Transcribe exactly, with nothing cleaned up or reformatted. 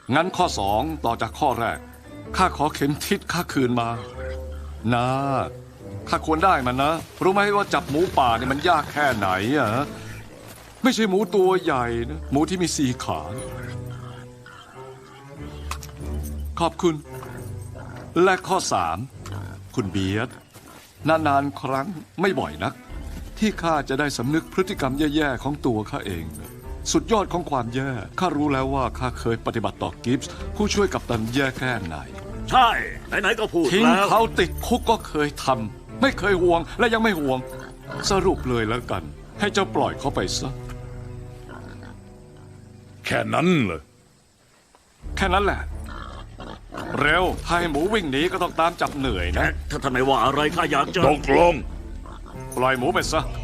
งั้นข้อสองต่อจากข้อแรกข้าขอเข็มทิศข้าคืนมานะข้าควรได้มันนะรู้ไหมว่าจับหมูป่าเนี่ยมันยากแค่ไหนอะไม่ใช่หมูตัวใหญ่นะหมูที่มีสี่ขาขอบคุณ และข้อสามคุณเบียดนานๆครั้งไม่บ่อยนัก ที่ข้าจะได้สำนึกพฤติกรรมแย่ๆของตัวข้าเอง สุดยอดของความแย่ข้ารู้แล้วว่าข้าเคยปฏิบัติต่อกิฟส์ผู้ช่วยกัปตันแย่แค่ไหนใช่ไหนๆก็พูดทิ้งแล้วเขาติดคุกก็เคยทำไม่เคยห่วงและยังไม่ห่วง สรุปเลยแล้วกัน ให้เจ้าปล่อยเขาไปซะแค่นั้นเลยแค่นั้นแหละ เร็วถ้าให้หมูวิ่งหนีก็ต้องตามจับเหนื่อยนะถ้าท่านไม่ว่าอะไรข้าอยากจะตกลงปล่อยหมูไปซะ